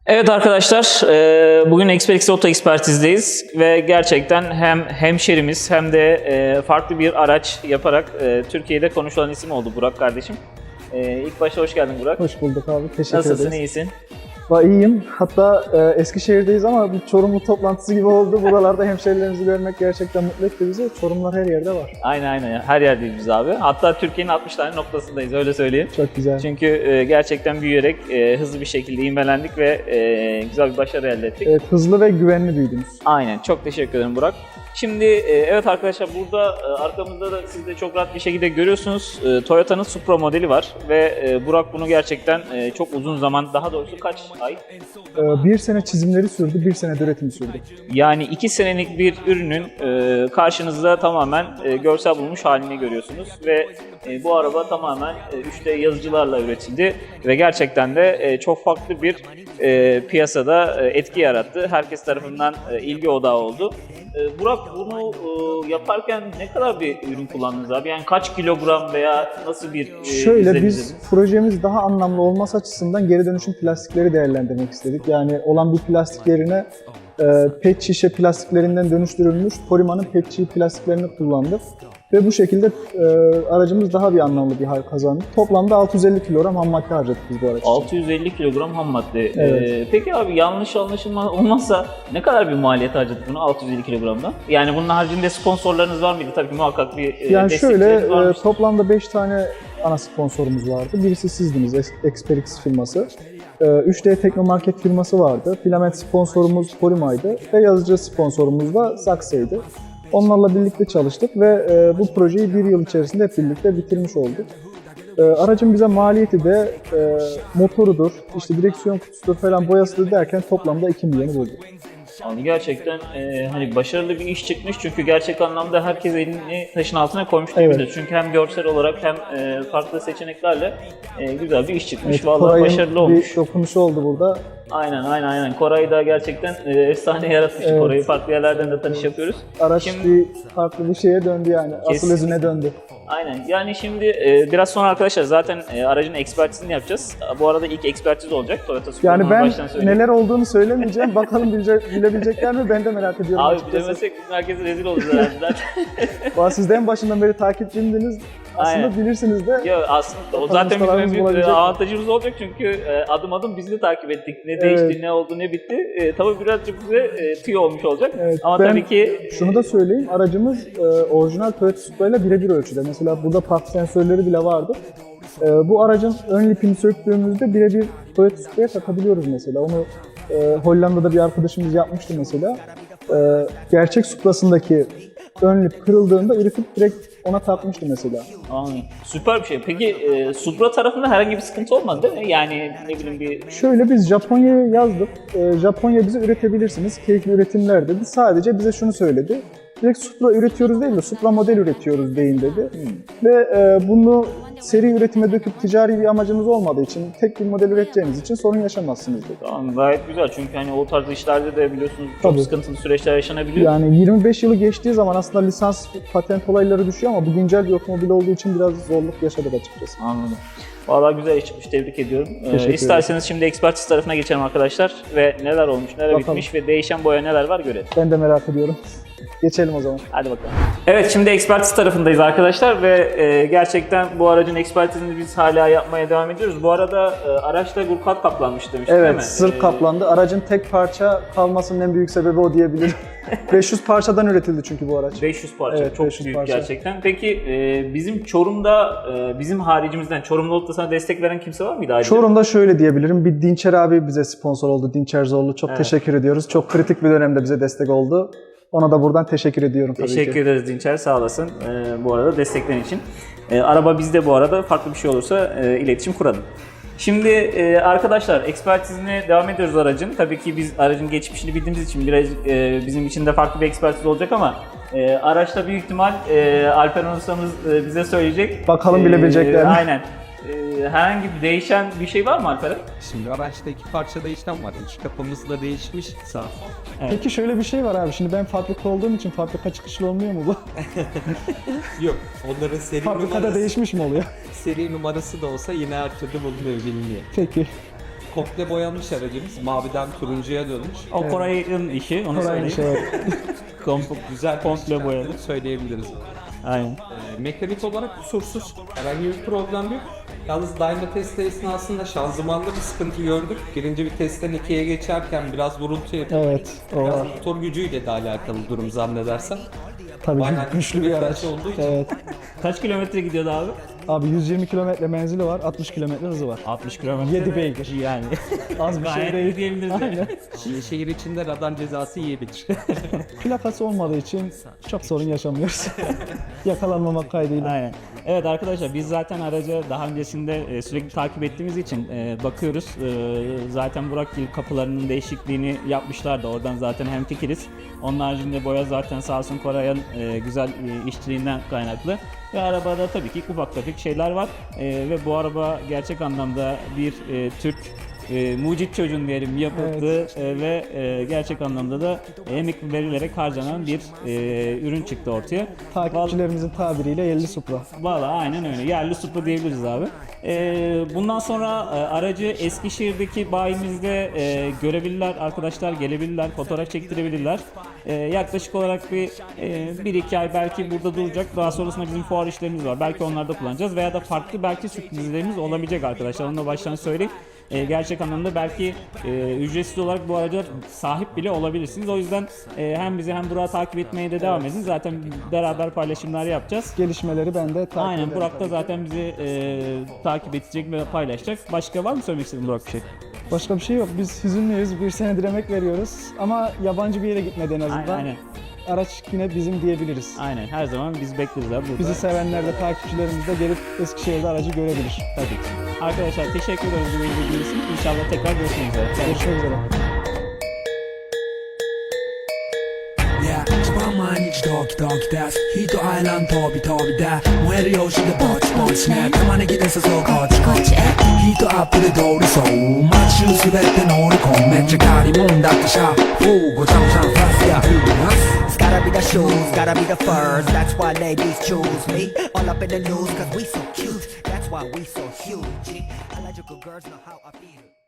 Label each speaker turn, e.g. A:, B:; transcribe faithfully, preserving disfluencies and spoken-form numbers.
A: Evet arkadaşlar, e, bugün Expertix Oto Ekspertiz'deyiz ve gerçekten hem hemşerimiz hem de e, farklı bir araç yaparak e, Türkiye'de konuşulan isim oldu Burak kardeşim. E, ilk başta hoş geldin Burak.
B: Hoş bulduk abi, teşekkür
A: Nasılsın,
B: ederiz.
A: iyisin?
B: Va iyiyim. Hatta e, Eskişehir'deyiz ama bir Çorumlu toplantısı gibi oldu. Buralarda hemşehrilerimizi görmek gerçekten mutlu etti bizi. Çorumlar her yerde var.
A: Aynen aynen, her yerdeyiz biz abi. Hatta Türkiye'nin altmış tane noktasındayız, öyle söyleyeyim.
B: Çok güzel.
A: Çünkü e, gerçekten büyüyerek e, hızlı bir şekilde ivmelendik ve e, güzel bir başarı elde ettik.
B: Evet, hızlı ve güvenli büyüdünüz.
A: Aynen, çok teşekkür ederim Burak. Şimdi e, evet arkadaşlar, burada e, arkamızda da siz de çok rahat bir şekilde görüyorsunuz. E, Toyota'nın Supra modeli var ve e, Burak bunu gerçekten e, çok uzun zaman, daha doğrusu kaç ay?
B: E, bir sene çizimleri sürdü, bir sene de üretimi sürdü.
A: Yani iki senelik bir ürünün e, karşınızda tamamen e, görsel bulmuş halini görüyorsunuz ve e, bu araba tamamen e, üç D yazıcılarla üretildi ve gerçekten de e, çok farklı bir e, piyasada e, etki yarattı. Herkes tarafından e, ilgi odağı oldu. E, Burak, bunu e, yaparken ne kadar bir ürün kullandınız abi? Yani kaç kilogram veya nasıl bir e,
B: Şöyle
A: izlenim
B: biz
A: izlediniz?
B: projemiz daha anlamlı olması açısından geri dönüşüm plastikleri değerlendirmek istedik. Yani olan bir plastik yerine e, pet şişe plastiklerinden dönüştürülmüş Porima'nın pet şişe plastiklerini kullandık. Ve bu şekilde e, aracımız daha bir anlamlı bir hal kazandı. Toplamda altı yüz elli kilogram ham madde harcadık biz bu araç için.
A: altı yüz elli kilogram ham madde.
B: Evet.
A: Ee, peki abi, yanlış anlaşılma olmazsa ne kadar bir maliyet harcadık bunu altı yüz elli kilogramda? Yani bunun haricinde sponsorlarınız var mıydı? Tabii ki muhakkak bir e,
B: Yani şöyle
A: destekçileriniz
B: e,
A: varmış.
B: toplamda beş tane ana sponsorumuz vardı. Birisi sizdiniz, Ex- Expertix firması. E, üç D Teknomarket firması vardı. Filament sponsorumuz Porima'ydı ve yazıcı sponsorumuz da Saksa'ydı. Onlarla birlikte çalıştık ve e, bu projeyi bir yıl içerisinde hep birlikte bitirmiş olduk. E, aracın bize maliyeti de e, motorudur, işte direksiyon kutusudur falan, boyasıdır derken toplamda iki milyonu buldu.
A: Yani gerçekten e, hani başarılı bir iş çıkmış, çünkü gerçek anlamda herkes elini taşın altına koymuş
B: Evet.
A: diyebiliriz. Çünkü hem görsel olarak hem e, farklı seçeneklerle e, güzel bir iş çıkmış.
B: Evet,
A: Vallahi
B: Koray'ın
A: başarılı olmuş.
B: bir dokunuşu oldu burada.
A: Aynen aynen aynen. Koray da gerçekten e, efsane yaratmış.
B: Evet.
A: Koray'ı farklı yerlerden de tanış yapıyoruz.
B: Araç
A: Şimdi-
B: bir farklı bir şeye döndü yani. Asıl
A: Kesinlikle.
B: özüne döndü.
A: Aynen. Yani şimdi e, biraz sonra arkadaşlar zaten e, aracın ekspertizini yapacağız. Bu arada ilk ekspertiz olacak Toyota Supra'nın,
B: Yani ben
A: baştan söyleyeyim.
B: neler olduğunu söylemeyeceğim. Bakalım bilecek, bilebilecekler mi? Ben de merak ediyorum
A: Abi
B: açıkçası.
A: bilemesek bizim herkese rezil olacağız herhalde zaten.
B: Valla siz de en başından beri takipçimdiniz. Aslında
A: Aynen.
B: bilirsiniz de.
A: Ya aslında o
B: Bakalım
A: zaten bizim en
B: ustalarımız
A: büyük
B: bulabilecek
A: e,
B: mi?
A: avantajımız olacak, çünkü e, adım adım biz de takip ettik. Ne
B: Evet.
A: değişti, ne oldu, ne bitti. E, tabii birazcık bize e, tüy olmuş olacak.
B: Evet,
A: Ama
B: ben
A: tabii ki
B: Şunu da söyleyeyim. Aracımız e, orijinal Toyota Supra ile birebir ölçüde. Mesela burada park sensörleri bile vardı. E, bu aracın ön lipini söktüğümüzde birebir Toyota Supra'ya takabiliyoruz mesela. Onu e, Hollanda'da bir arkadaşımız yapmıştı mesela. E, gerçek Supra'sındaki ön lip kırıldığında üretip direkt ona takmıştı mesela.
A: Anladım. Süper bir şey. Peki e, Supra tarafında herhangi bir sıkıntı olmadı değil mi? Yani ne bileyim bir...
B: Şöyle biz Japonya'ya yazdık. Ee, Japonya bize üretebilirsiniz. Keyifli üretimler dedi. Sadece bize şunu söyledi. Direkt Supra üretiyoruz değil de Supra model üretiyoruz deyin dedi.
A: Hmm.
B: Ve e, bunu seri üretime döküp ticari bir amacınız olmadığı için, tek bir model üreteceğiniz için sorun yaşamazsınız dedi.
A: Tamam, gayet güzel, çünkü hani o tarz işlerde de biliyorsunuz çok
B: Tabii.
A: sıkıntılı süreçler yaşanabiliyor.
B: Yani yirmi beş yılı geçtiği zaman aslında lisans, patent olayları düşüyor ama bu güncel bir otomobil olduğu için biraz zorluk yaşadık açıkçası.
A: Anladım. Vallahi güzel iş çıkmış, tebrik ediyorum.
B: Teşekkür
A: Ee, isterseniz şimdi ekspertiz tarafına geçelim arkadaşlar ve neler olmuş, neler
B: Bakalım.
A: bitmiş ve değişen boya neler var görelim.
B: Ben de merak ediyorum. Geçelim o zaman.
A: Hadi bakalım. Evet, şimdi ekspertiz tarafındayız arkadaşlar ve e, gerçekten bu aracın ekspertizini biz hala yapmaya devam ediyoruz. Bu arada e, araçta gurkat kaplanmış demiştik değil mi?
B: Evet, sırf
A: Ee,
B: kaplandı. Aracın tek parça kalmasının en büyük sebebi o diyebilirim. beş yüz parçadan üretildi çünkü bu araç.
A: beş yüz parça,
B: Evet,
A: çok
B: beş yüz
A: büyük
B: parça.
A: gerçekten. Peki e, bizim Çorum'da, e, bizim haricimizden Çorum'da olup da sana destek veren kimse var mıydı ayrıca?
B: Çorum'da şöyle diyebilirim. Bir Dinçer abi bize sponsor oldu. Dinçer Zorlu. Çok
A: Evet.
B: teşekkür ediyoruz. Çok kritik bir dönemde bize destek oldu. Ona da buradan teşekkür ediyorum tabii
A: Teşekkür
B: ki.
A: ederiz Dinçer, sağ olasın e, bu arada desteklerin için. E, araba bizde bu arada, farklı bir şey olursa e, iletişim kuralım. Şimdi e, arkadaşlar, ekspertizine devam ediyoruz aracın. Tabii ki biz aracın geçmişini bildiğimiz için biraz e, bizim için de farklı bir ekspertiz olacak ama e, araçta büyük ihtimal e, Alper ustamız e, bize söyleyecek.
B: Bakalım bilebilecekler mi?
A: Aynen. E, herhangi bir değişen bir şey var mı Alper'e?
C: Şimdi araçta iki parça değişen var. İç kapımız da değişmiş. Sağ.
B: Peki şöyle bir şey var abi. Şimdi ben fabrika olduğum için fabrika çıkışlı olmuyor mu bu?
C: Yok. Onların seri
B: Fabrikada
C: numarası,
B: değişmiş mi oluyor?
C: seri numarası da olsa yine her türlü bulunuyor, biliniyor.
B: Peki.
C: komple boyanmış aracımız. Maviden turuncuya dönmüş.
A: O Koray'ın işi, onu
B: Aynı
A: söyleyeyim.
B: şey.
A: Komple,
C: Güzel
A: komple boyadık.
C: söyleyebiliriz.
A: Aynen.
C: Ee, mekanik olarak kusursuz. Herhangi bir problem yok. Yalnız dyno testi esnasında şanzımanda bir sıkıntı gördük. Birinci vitesten ikiye geçerken biraz vurultu yapıyor.
B: Evet, o
C: Biraz
B: var.
C: motor gücüyle de alakalı durum zannedersem.
B: Tabii
C: Bayağı
B: güçlü bir araç.
C: olduğu için.
B: Evet.
A: Kaç kilometre gidiyordu abi?
B: Abi yüz yirmi kilometre menzili var, altmış kilometre hızı var.
A: altmış kilometre.
B: Yedi beygir.
A: Yani.
B: Az bir şey
A: Gayet iyi
B: değil.
A: diyebiliriz.
B: Aynen.
C: Şi- Şehir içinde radar cezası yiyebilir.
B: Plakası olmadığı için çok sorun yaşamıyoruz. Yakalanmamak kaydıyla.
A: Aynen. Evet arkadaşlar biz zaten aracı daha öncesinde e, sürekli takip ettiğimiz için e, bakıyoruz. E, zaten Burak Gil kapılarının değişikliğini yapmışlardı. Oradan zaten hemfikiriz. Onun haricinde boya zaten sağ olsun Koray'ın e, güzel e, işçiliğinden kaynaklı. Ve arabada tabii ki ufak tefek şeyler var. E, ve bu araba gerçek anlamda bir e, Türk e, mucit çocuğun diyelim yapıldığı e, ve e, gerçek anlamda da emek verilerek harcanan bir e, ürün çıktı ortaya.
B: Takipçilerimizin tabiriyle yerli Supra.
A: Valla aynen öyle. Yerli Supra diyebiliriz abi. Ee, bundan sonra e, aracı Eskişehir'deki bayimizde e, görebilirler, arkadaşlar gelebilirler, fotoğraf çektirebilirler. E, yaklaşık olarak bir e, bir iki ay belki burada duracak. Daha sonrasında bizim fuar işlerimiz var. Belki onlarda kullanacağız veya da farklı belki sürprizlerimiz olabilecek arkadaşlar. Onu da baştan söyleyeyim. E, gerçek anlamda belki e, ücretsiz olarak bu araca sahip bile olabilirsiniz. O yüzden e, hem bizi hem Burak'ı takip etmeye de devam edin. Zaten beraber paylaşımlar yapacağız.
B: Gelişmeleri ben de takip
A: Aynen
B: ederim.
A: Burak da zaten bizi e, takip edecek ve paylaşacak. Başka var mı söylemek istediğin Burak bir şey?
B: Başka bir şey yok. Biz hüzünlüyüz. Bir senedir emek veriyoruz. Ama yabancı bir yere gitmedi en azından.
A: Aynen, aynen.
B: Araç yine bizim diyebiliriz.
A: Aynen her zaman biz bekleriz abi burada.
B: Bizi sevenler de takipçilerimiz de gelip Eskişehir'de aracı görebilir.
A: Tabii ki. Arkadaşlar teşekkür ederiz bu ilginiz için. İnşallah tekrar görüşmek üzere.
B: Görüşmek üzere.
D: Yeah, 一番毎日ドキドキですヒートアイランド飛び飛びで燃えるようしてぼちぼちね玉ねぎで誘うこっちこっちへヒートアップで通りそう街中滑って乗り込むめっちゃ借りもんだってシャフーごちゃごちゃファスヤフー
E: It's gotta be the shoes, gotta be the furs. That's why ladies choose me. All up in the news, cause we so cute. That's why we so huge. Electrical girls know how I feel.